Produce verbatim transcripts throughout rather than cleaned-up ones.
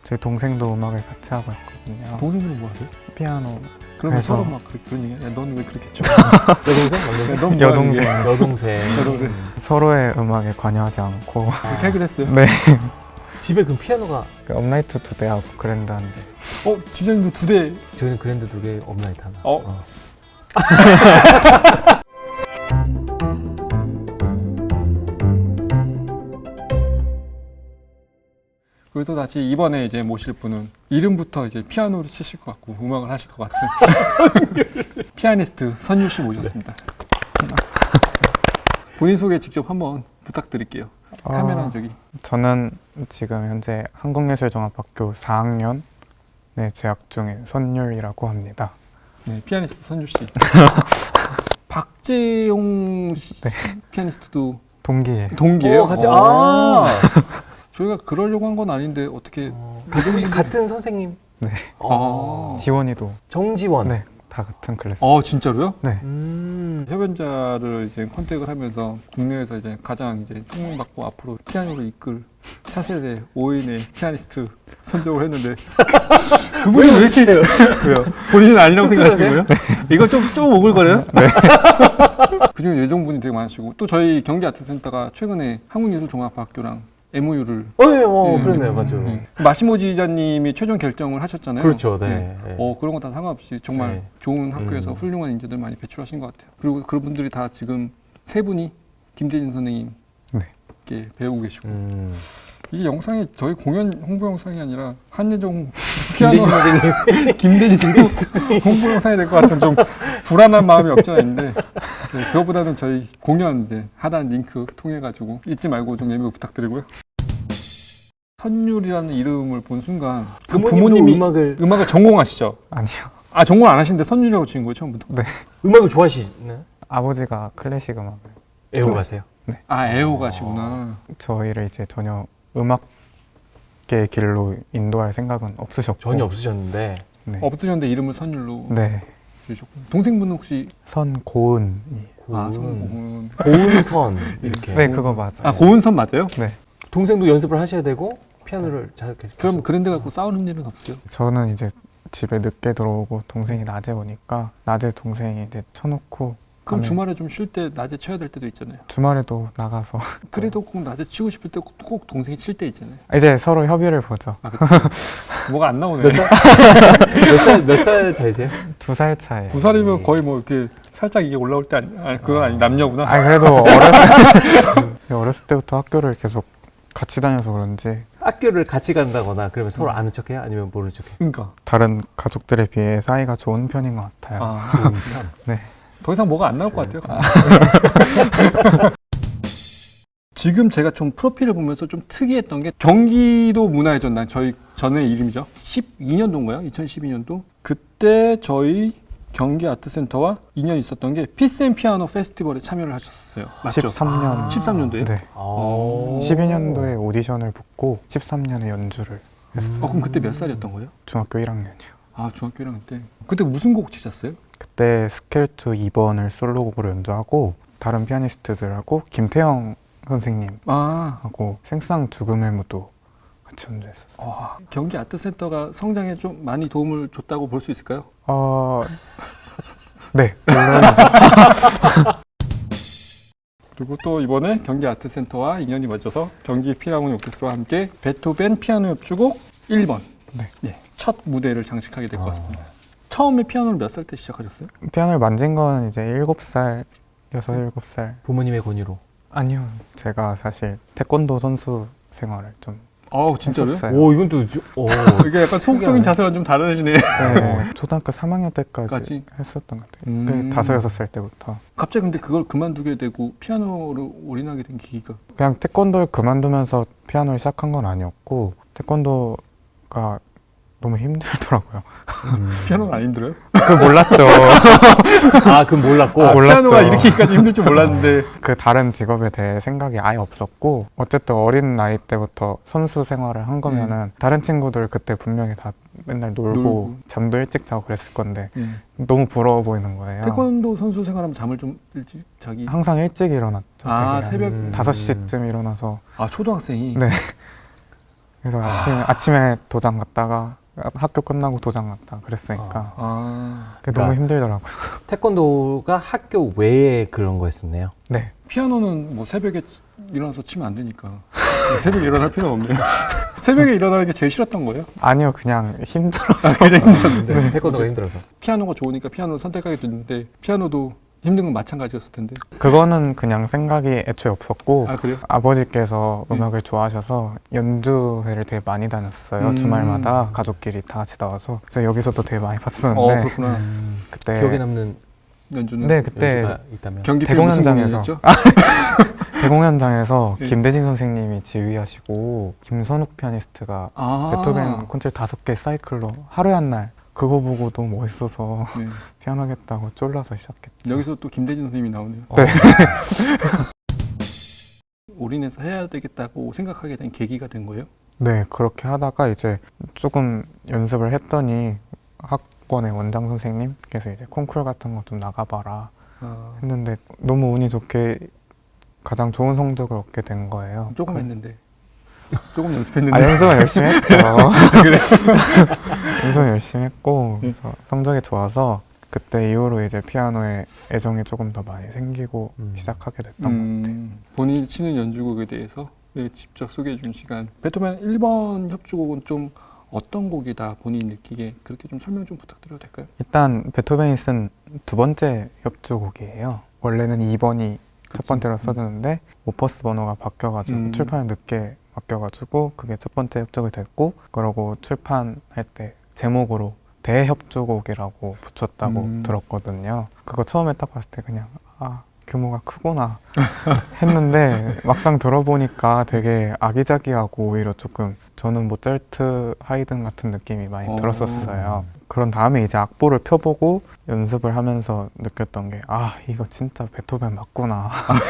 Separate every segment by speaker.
Speaker 1: 저희 동생도 음악을 같이 하고 있거든요.
Speaker 2: 동생들은 뭐 하세요?
Speaker 1: 피아노.
Speaker 2: 그러면
Speaker 1: 그래서-
Speaker 2: 서로 막 그런, 그런 얘기. 야, 너는 왜 그렇게 쳐?
Speaker 3: 여동생? 남동생?
Speaker 2: 넌
Speaker 1: 여동생.
Speaker 3: 여동생.
Speaker 2: 여동생.
Speaker 1: 서로의 음악에 관여하지 않고
Speaker 2: 그렇게 하기로 했어요.
Speaker 1: 네.
Speaker 3: 집에 그럼 피아노가
Speaker 1: 그 업라이트 두 대하고 그랜드 한 대.
Speaker 2: 어, 디자인도 두 대.
Speaker 3: 저희는 그랜드 두 개, 업라이트 하나.
Speaker 2: 어. 그리고 또 다시 이번에 이제 모실 분은 이름부터 이제 피아노를 치실 것 같고 음악을 하실 것 같은 피아니스트 선율 씨 모셨습니다. 본인 소개 직접 한번 부탁드릴게요. 카메라
Speaker 1: 어,
Speaker 2: 저기.
Speaker 1: 저는 지금 현재 한국예술종합학교 사 학년에 재학 중인 선율이라고 합니다.
Speaker 2: 네, 피아니스트 선율 씨. 박재용 씨,
Speaker 1: 네.
Speaker 2: 피아니스트도
Speaker 1: 동기에.
Speaker 2: 동기예요.
Speaker 3: 어, 같이.
Speaker 2: 어.
Speaker 3: 아.
Speaker 2: 저희가 그러려고 한 건 아닌데 어떻게?
Speaker 3: 어, 혹시 같은 선생님?
Speaker 1: 네.
Speaker 3: 어.
Speaker 1: 지원이도.
Speaker 3: 정지원.
Speaker 1: 네. 다 같은 클래스.
Speaker 2: 어, 진짜로요?
Speaker 1: 네.
Speaker 3: 음.
Speaker 2: 협연자를 이제 컨택을 하면서 국내에서 이제 가장 이제 총명받고 앞으로 피아노를 이끌 차세대 오 인의 피아니스트 선정을 했는데 그분이 왜 이렇게 왜요? 본인은 아니라고 생각하시는 거예요? 이거 좀, 좀 오글거려요? 네. 그중에 예정분이 되게 많으시고 또 저희 경기 아트센터가 최근에 한국예술종합학교랑 엠오유를
Speaker 3: 어, 예, 어,
Speaker 2: 네.
Speaker 3: 그렇네요, 맞아요.
Speaker 2: 네. 마시모 지휘자님이 최종 결정을 하셨잖아요.
Speaker 3: 그렇죠, 네.
Speaker 2: 네.
Speaker 3: 네.
Speaker 2: 어, 그런 거 다 상관없이 정말
Speaker 3: 네.
Speaker 2: 좋은 학교에서
Speaker 3: 음.
Speaker 2: 훌륭한 인재들 많이 배출하신 것 같아요. 그리고 그런 분들이 다 지금 세 분이 김대진 선생님께
Speaker 1: 네.
Speaker 2: 배우고 계시고
Speaker 3: 음.
Speaker 2: 이 영상이 저희 공연 홍보 영상이 아니라 한예종 피아노
Speaker 3: 김대진 선생님.
Speaker 2: 김대진 선생님 홍보 영상이 될 것 같은 좀 불안한 마음이 없지는 않은데 네, 그것보다는 저희 공연 이제 하단 링크 통해 가지고 잊지 말고 좀 예매 부탁드리고요. 선율이라는 이름을 본 순간 그
Speaker 3: 부모님도
Speaker 2: 부모님이
Speaker 3: 음악을
Speaker 2: 음악을 전공하시죠?
Speaker 1: 아니요.
Speaker 2: 아 전공 안 하시는데 선율이라고 지은 거예요 처음부터?
Speaker 1: 네.
Speaker 3: 음악을 좋아하시나요?
Speaker 1: 아버지가 클래식 음악을.
Speaker 3: 애호가세요?
Speaker 2: 아 애호가시구나.
Speaker 1: 저희를 이제 전혀 음악계 길로 인도할 생각은 없으셨고.
Speaker 3: 전혀 없으셨는데.
Speaker 1: 네.
Speaker 2: 없으셨는데 이름을 선율로
Speaker 1: 네.
Speaker 2: 주셨고 동생분은 혹시
Speaker 1: 선고은이.
Speaker 2: 아
Speaker 3: 고은.
Speaker 2: 선고은
Speaker 3: 고은선 이렇게.
Speaker 1: 네, 그거 맞아요.
Speaker 2: 아 고은선 맞아요?
Speaker 1: 네.
Speaker 3: 동생도 연습을 하셔야 되고 피아노를 잘 계속.
Speaker 2: 그럼 그랜드 갖고 싸우는 일은 없어요?
Speaker 1: 저는 이제 집에 늦게 들어오고 동생이 낮에 오니까 낮에 동생이 이제 쳐놓고
Speaker 2: 그럼
Speaker 1: 가면
Speaker 2: 주말에 좀 쉴 때 낮에 쳐야 될 때도 있잖아요.
Speaker 1: 주말에도 나가서
Speaker 2: 그래도 꼭 낮에 치고 싶을 때 꼭 동생이 칠 때 있잖아요.
Speaker 1: 이제 서로 협의를 보죠.
Speaker 2: 아, 그때 뭐가 안 나오네.
Speaker 3: 몇 살? 몇 살, 몇 살 차이세요?
Speaker 1: 두 살 차이.
Speaker 2: 두 살이면 거의 뭐 이렇게 살짝 이게 올라올 때 아니, 아니 그건 아니 남녀구나.
Speaker 1: 아니 그래도 어렸을, 어렸을 때부터 학교를 계속 같이 다녀서 그런지
Speaker 3: 학교를 같이 간다거나 그러면 서로 아는 척해요? 아니면 모르는 척해요?
Speaker 2: 그러니까.
Speaker 1: 다른 가족들에 비해 사이가 좋은 편인 것 같아요.
Speaker 2: 아,
Speaker 3: 좋은 편.
Speaker 1: 네.
Speaker 2: 더 이상 뭐가 안 나올 것 같아요. 지금 제가 좀 프로필을 보면서 좀 특이했던 게 경기도 문화의 전당 저희 전의 이름이죠. 십이 년도인가요? 이천십이 년도 그때 저희 경기 아트센터와 인연이 있었던 게 피스앤피아노 페스티벌에 참여를 하셨어요. 맞죠?
Speaker 1: 십삼 년.
Speaker 3: 아.
Speaker 2: 십삼 년도에?
Speaker 1: 네.
Speaker 3: 아.
Speaker 1: 십이 년도에 오디션을 붙고 십삼 년에 연주를 했어요.
Speaker 2: 어, 그럼 그때 몇 살이었던 거예요?
Speaker 1: 중학교 일 학년이요.
Speaker 2: 아 중학교 일 학년 때. 그때 무슨 곡 치셨어요?
Speaker 1: 그때 스켈투 이 번을 솔로곡으로 연주하고 다른 피아니스트들하고 김태형 선생님하고
Speaker 2: 아
Speaker 1: 생상 죽음의 무도 같이 연주했었어요.
Speaker 2: 와, 경기 아트센터가 성장에 좀 많이 도움을 줬다고 볼 수 있을까요?
Speaker 1: 어... 네, 물론
Speaker 2: 그리고 또 이번에 경기 아트센터와 인연이 맺어서 경기 필하모니 오케스트라와 함께 베토벤 피아노 협주곡 일 번
Speaker 1: 네.
Speaker 2: 첫 무대를 장식하게 될 것
Speaker 3: 아.
Speaker 2: 같습니다. 처음에 피아노를 몇 살 때 시작하셨어요?
Speaker 1: 피아노를 만진 건 이제 일곱 살, 여섯, 일곱 살.
Speaker 3: 부모님의 권유로.
Speaker 1: 아니요, 제가 사실 태권도 선수 생활을 좀
Speaker 2: 아우 진짜로요?
Speaker 1: 했었어요.
Speaker 3: 오, 이건 또, 오.
Speaker 2: 이게 약간 소극적인 자세가 좀 다르시네.
Speaker 1: 네, 초등학교 삼 학년 때까지
Speaker 2: 까지?
Speaker 1: 했었던 것 같아요.
Speaker 2: 음.
Speaker 1: 그 다섯, 여섯 살 때부터.
Speaker 2: 갑자기 근데 그걸 그만두게 되고 피아노를 올인하게 된 계기가
Speaker 1: 그냥 태권도를 그만두면서 피아노를 시작한 건 아니었고 태권도가 너무 힘들더라고요.
Speaker 3: 음.
Speaker 2: 피아노가 안 힘들어요?
Speaker 1: 그걸 몰랐죠.
Speaker 3: 아, 그건 몰랐고.
Speaker 2: 아,
Speaker 1: 몰랐죠.
Speaker 2: 피아노가 이렇게까지 힘들 줄 몰랐는데
Speaker 1: 그 다른 직업에 대해 생각이 아예 없었고 어쨌든 어린 나이 때부터 선수 생활을 한 거면은 다른 친구들 그때 분명히 다 맨날 놀고,
Speaker 2: 놀고.
Speaker 1: 잠도 일찍 자고 그랬을 건데
Speaker 2: 예.
Speaker 1: 너무 부러워 보이는 거예요.
Speaker 2: 태권도 선수 생활하면 잠을 좀 일찍 자기
Speaker 1: 항상 일찍 일어났죠.
Speaker 2: 아
Speaker 1: 되게.
Speaker 2: 새벽
Speaker 3: 음.
Speaker 1: 다섯 시쯤 일어나서
Speaker 2: 아 초등학생이
Speaker 1: 네. 그래서 아침에, 아침에 도장 갔다가 학교 끝나고 도장 갔다 그랬으니까
Speaker 2: 아,
Speaker 1: 그게 너무
Speaker 3: 그러니까-
Speaker 1: 힘들더라고요.
Speaker 3: 태권도가 학교 외에 그런 거였었네요.
Speaker 1: 네.
Speaker 2: 피아노는 뭐 새벽에 치- 일어나서 치면 안 되니까 새벽에 일어날 필요는 없네요. 새벽에 일어나는 게 제일 싫었던 거예요?
Speaker 1: 아니요, 그냥 힘들어.
Speaker 3: 네, 태권도가 힘들어서.
Speaker 2: 피아노가 좋으니까 피아노를 선택하게 됐는데 피아노도 힘든 건 마찬가지였을 텐데.
Speaker 1: 그거는 그냥 생각이 애초에 없었고
Speaker 2: 아 그래요?
Speaker 1: 아버지께서
Speaker 2: 네.
Speaker 1: 음악을 좋아하셔서 연주회를 되게 많이 다녔어요.
Speaker 2: 음.
Speaker 1: 주말마다 가족끼리 다 같이 나와서 그래서 여기서도 되게 많이 봤었는데
Speaker 2: 어 그렇구나.
Speaker 1: 그때
Speaker 3: 기억에 남는
Speaker 2: 연주는
Speaker 1: 네 그때
Speaker 3: 연주가 있다면.
Speaker 2: 경기
Speaker 1: 대공연장에서.
Speaker 2: 무슨
Speaker 1: 대공연장에서
Speaker 2: 네.
Speaker 1: 김대진 선생님이 지휘하시고 김선욱 피아니스트가
Speaker 2: 아
Speaker 1: 베토벤 콘체르토 다섯 개 사이클로 하루에 한 날 그거 보고 너무 멋있어서
Speaker 2: 네.
Speaker 1: 피아노 하겠다고 쫄라서 시작했죠.
Speaker 2: 여기서 또 김대진 선생님이 나오네요.
Speaker 1: 네.
Speaker 2: 올인해서 해야 되겠다고 생각하게 된 계기가 된 거예요?
Speaker 1: 네, 그렇게 하다가 이제 조금 연습을 했더니 학원의 원장 선생님께서 이제 콩쿨 같은 거 좀 나가봐라
Speaker 2: 아,
Speaker 1: 했는데 너무 운이 좋게 가장 좋은 성적을 얻게 된 거예요.
Speaker 2: 조금
Speaker 1: 그-
Speaker 2: 했는데 조금 연습했는데
Speaker 1: 아, 연습은 열심히 했죠.
Speaker 2: 그래?
Speaker 1: 연습은 열심히 했고
Speaker 2: 네.
Speaker 1: 그래서 성적이 좋아서 그때 이후로 이제 피아노에 애정이 조금 더 많이 생기고
Speaker 3: 음.
Speaker 1: 시작하게 됐던 것 같아요.
Speaker 2: 음, 본인이 치는 연주곡에 대해서 네, 직접 소개해 준 시간. 베토벤 일 번 협주곡은 좀 어떤 곡이다 본인이 느끼게 그렇게 좀 설명 좀 부탁드려도 될까요?
Speaker 1: 일단 베토벤이 쓴 두 번째 협주곡이에요. 원래는 이 번이 첫
Speaker 2: 그치.
Speaker 1: 번째로
Speaker 2: 음.
Speaker 1: 써졌는데 오퍼스 번호가 바뀌어가지고
Speaker 2: 음.
Speaker 1: 출판이 늦게 바뀌어가지고 그게 첫 번째 협주곡이 됐고 그러고 출판할 때 제목으로 대협주곡이라고 붙였다고
Speaker 2: 음.
Speaker 1: 들었거든요. 그거 처음에 딱 봤을 때 그냥 아 규모가 크구나 했는데 막상 들어보니까 되게 아기자기하고 오히려 조금 저는 모차르트, 하이든 같은 느낌이 많이
Speaker 2: 어.
Speaker 1: 들었었어요. 그런 다음에 이제 악보를 펴보고 연습을 하면서 느꼈던 게 아 이거 진짜 베토벤 맞구나.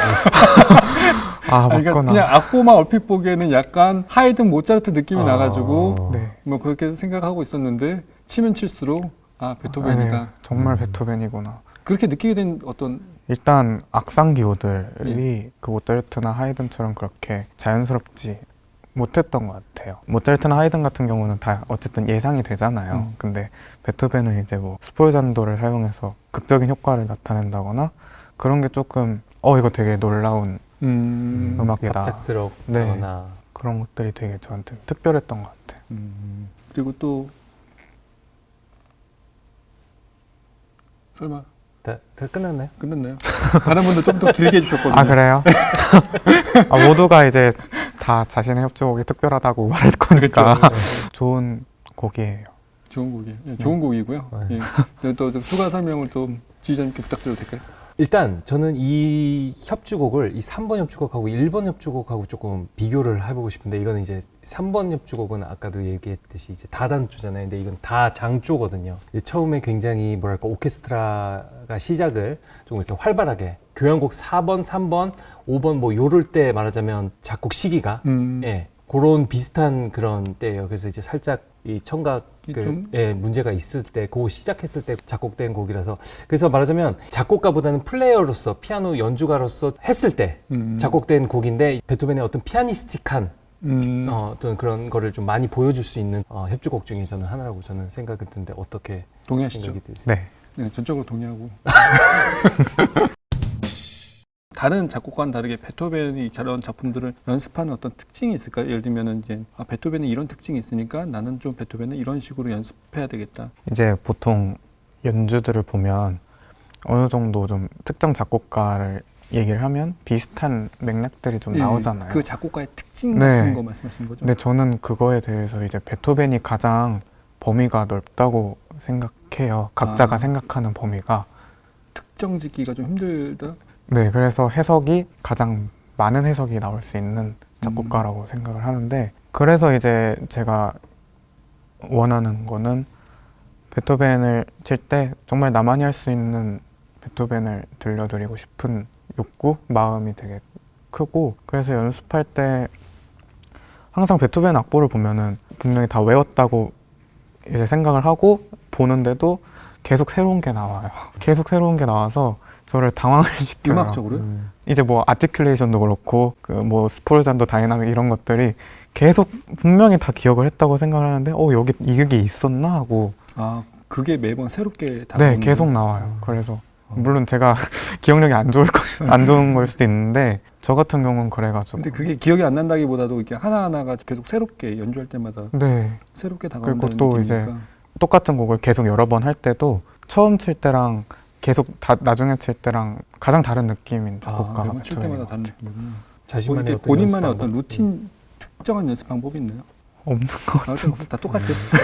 Speaker 1: 아
Speaker 2: 아니, 그러니까
Speaker 1: 맞구나.
Speaker 2: 그냥 악보만 얼핏 보기에는 약간 하이든 모차르트 느낌이
Speaker 3: 아.
Speaker 2: 나가지고
Speaker 1: 네.
Speaker 2: 뭐 그렇게 생각하고 있었는데 치면 칠수록 아 베토벤이다.
Speaker 1: 아, 네. 정말
Speaker 3: 음.
Speaker 1: 베토벤이구나.
Speaker 2: 그렇게 느끼게 된 어떤
Speaker 1: 일단 악상 기호들이
Speaker 2: 예.
Speaker 1: 그 모차르트나 하이든처럼 그렇게 자연스럽지 못했던 것 같아요. 모차르트나 하이든 같은 경우는 다 어쨌든 예상이 되잖아요.
Speaker 2: 음.
Speaker 1: 근데 베토벤은 이제 뭐 스폴잔도를 사용해서 극적인 효과를 나타낸다거나 그런 게 조금 어 이거 되게 놀라운
Speaker 2: 음,
Speaker 1: 음악이다.
Speaker 3: 갑작스럽거나.
Speaker 1: 그런 것들이 되게 저한테 특별했던 것 같아요.
Speaker 2: 음, 그리고 또 설마
Speaker 3: 다, 다 끝났나요?
Speaker 2: 끝났나요? 다른 분들 좀 더 길게 해주셨거든요.
Speaker 1: 아 그래요? 아, 모두가 이제 다 자신의 협주곡이 특별하다고 말할 거니까
Speaker 2: 그렇죠.
Speaker 1: 좋은 곡이에요.
Speaker 2: 좋은 곡이에요. 예, 좋은 곡이고요.
Speaker 3: 네.
Speaker 2: 예. 또, 또 추가 설명을 좀 지휘자님께 부탁드려도 될까요?
Speaker 3: 일단 저는 이 협주곡을 이 삼 번 협주곡하고 일 번 협주곡하고 조금 비교를 해보고 싶은데 이거는 이제 삼 번 협주곡은 아까도 얘기했듯이 이제 다단조잖아요. 근데 이건 다 장조거든요. 이제 처음에 굉장히 뭐랄까 오케스트라가 시작을 조금 이렇게 활발하게 교향곡 사 번, 삼 번, 오 번 뭐 요럴 때 말하자면 작곡 시기가
Speaker 2: 음,
Speaker 3: 예, 그런 비슷한 그런 때예요. 그래서 이제 살짝 이 청각을
Speaker 2: 좀-
Speaker 3: 예, 문제가 있을 때, 그거 시작했을 때 작곡된 곡이라서 그래서 말하자면 작곡가보다는 플레이어로서 피아노 연주가로서 했을 때
Speaker 2: 음,
Speaker 3: 작곡된 곡인데 베토벤의 어떤 피아니스틱한
Speaker 2: 음,
Speaker 3: 어, 어떤 그런 거를 좀 많이 보여줄 수 있는 어, 협주곡 중에 저는 하나라고 저는 생각이 드는데 어떻게
Speaker 2: 동의하시죠?
Speaker 3: 생각이 드세요?
Speaker 1: 네.
Speaker 2: 네, 전적으로 동의하고. 다른 작곡과는 다르게 베토벤이 저런 작품들을 연습하는 어떤 특징이 있을까요? 예를 들면 이제 아, 베토벤은 이런 특징이 있으니까 나는 좀 베토벤은 이런 식으로 연습해야 되겠다.
Speaker 1: 이제 보통 연주들을 보면 어느 정도 좀 특정 작곡가를 얘기를 하면 비슷한 맥락들이 좀
Speaker 2: 예,
Speaker 1: 나오잖아요.
Speaker 2: 그 작곡가의 특징
Speaker 1: 네.
Speaker 2: 같은 거 말씀하시는 거죠?
Speaker 1: 근데 저는 그거에 대해서 이제 베토벤이 가장 범위가 넓다고 생각해요. 각자가
Speaker 2: 아.
Speaker 1: 생각하는 범위가.
Speaker 2: 특정 짓기가 좀 힘들다.
Speaker 1: 네, 그래서 해석이 가장 많은 해석이 나올 수 있는 작곡가라고 생각을 하는데 그래서 이제 제가 원하는 거는 베토벤을 칠 때 정말 나만이 할 수 있는 베토벤을 들려드리고 싶은 욕구, 마음이 되게 크고 그래서 연습할 때 항상 베토벤 악보를 보면은 분명히 다 외웠다고 이제 생각을 하고 보는데도 계속 새로운 게 나와요. 계속 새로운 게 나와서 저를 당황을 시켜요.
Speaker 2: 음악적으로요?
Speaker 3: 음.
Speaker 1: 이제 뭐 아티큘레이션도 그렇고 그 뭐 스폴잔도 다이나믹 이런 것들이 계속 분명히 다 기억을 했다고 생각을 하는데 어 여기 이게 있었나 하고
Speaker 2: 아 그게 매번 새롭게 다
Speaker 1: 네
Speaker 2: 나오는
Speaker 1: 계속
Speaker 2: 거예요?
Speaker 1: 나와요. 그래서
Speaker 2: 어.
Speaker 1: 물론 제가 기억력이 안 좋을 거, 안 좋은 걸 수도 있는데 저 같은 경우는 그래가지고
Speaker 2: 근데 그게 기억이 안 난다기보다도 이렇게 하나하나가 계속 새롭게 연주할 때마다
Speaker 1: 네
Speaker 2: 새롭게 다가온다는
Speaker 1: 그리고 또 이제
Speaker 2: 느낌이니까.
Speaker 1: 똑같은 곡을 계속 여러 번 할 때도 처음 칠 때랑 계속 다, 나중에 칠 때랑 가장 다른 느낌인
Speaker 2: 아,
Speaker 1: 작곡가가
Speaker 2: 매번 칠
Speaker 1: 저에게
Speaker 2: 때마다 다른 느낌이구나. 뭐
Speaker 3: 자신만의
Speaker 2: 이렇게
Speaker 3: 어떤
Speaker 2: 본인만의
Speaker 3: 연습
Speaker 2: 어떤
Speaker 3: 방법?
Speaker 2: 루틴 특정한 연습 방법이 있나요?
Speaker 1: 없는 것
Speaker 2: 아, 근데 다 똑같아.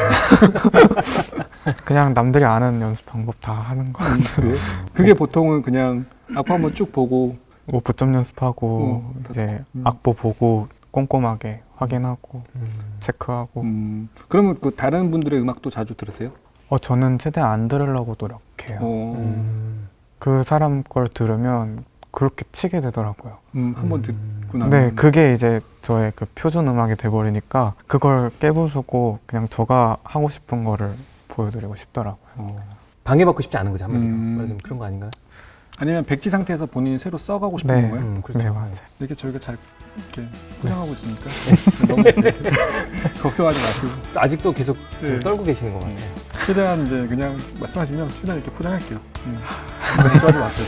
Speaker 1: 그냥 남들이 아는 연습 방법 다 하는 거
Speaker 2: 음, 그래? 그게 보통은 그냥 악보 한번 쭉 보고
Speaker 1: 뭐 부점 연습하고
Speaker 2: 어, 다
Speaker 1: 이제
Speaker 2: 음.
Speaker 1: 악보 보고 꼼꼼하게 확인하고
Speaker 3: 음.
Speaker 1: 체크하고
Speaker 2: 음, 그러면 그 다른 분들의 음악도 자주 들으세요?
Speaker 1: 어 저는 최대한 안 들으려고 노력해요.
Speaker 2: 어,
Speaker 3: 음.
Speaker 1: 그 사람 걸 들으면 그렇게 치게 되더라고요.
Speaker 2: 음, 한번
Speaker 3: 음.
Speaker 2: 듣고 나면
Speaker 1: 네, 그게 이제 저의 그 표준 음악이 돼버리니까 그걸 깨부수고 그냥 제가 하고 싶은 거를 보여드리고 싶더라고요.
Speaker 2: 어.
Speaker 3: 방해받고 싶지 않은 거죠 한마디로.
Speaker 2: 음.
Speaker 3: 말하자면 그런 거 아닌가요?
Speaker 2: 아니면 백지 상태에서 본인이 새로 써가고 싶은
Speaker 1: 네.
Speaker 2: 건가요?
Speaker 3: 음, 그렇죠.
Speaker 1: 네, 맞아요.
Speaker 2: 이렇게 저희가 잘 이렇게 포장하고 있으니까 너무 걱정하지 마시고
Speaker 3: 아직도 계속 좀
Speaker 2: 네.
Speaker 3: 떨고 계시는 것 같아요.
Speaker 2: 최대한 이제 그냥 말씀하시면 최대한 이렇게 포장할게요. 음. 걱정하지 마세요.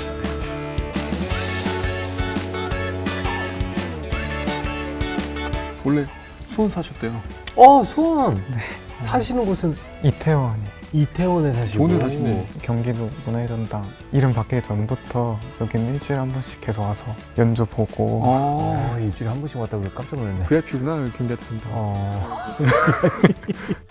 Speaker 2: 원래 수원 사셨대요.
Speaker 3: 어 수원 사시는 곳은
Speaker 1: 이태원이
Speaker 3: 이태원에 사시고.
Speaker 2: 좋은 데 사시네.
Speaker 1: 경기도 문화유전당 이름 바뀌기 전부터 여기는 일주일에 한 번씩 계속 와서 연주 보고
Speaker 2: 아,
Speaker 3: 어, 일주일에 한 번씩 왔다 그래 깜짝 놀랐네.
Speaker 2: 브이아이피구나 경기한테 된다.
Speaker 3: 어.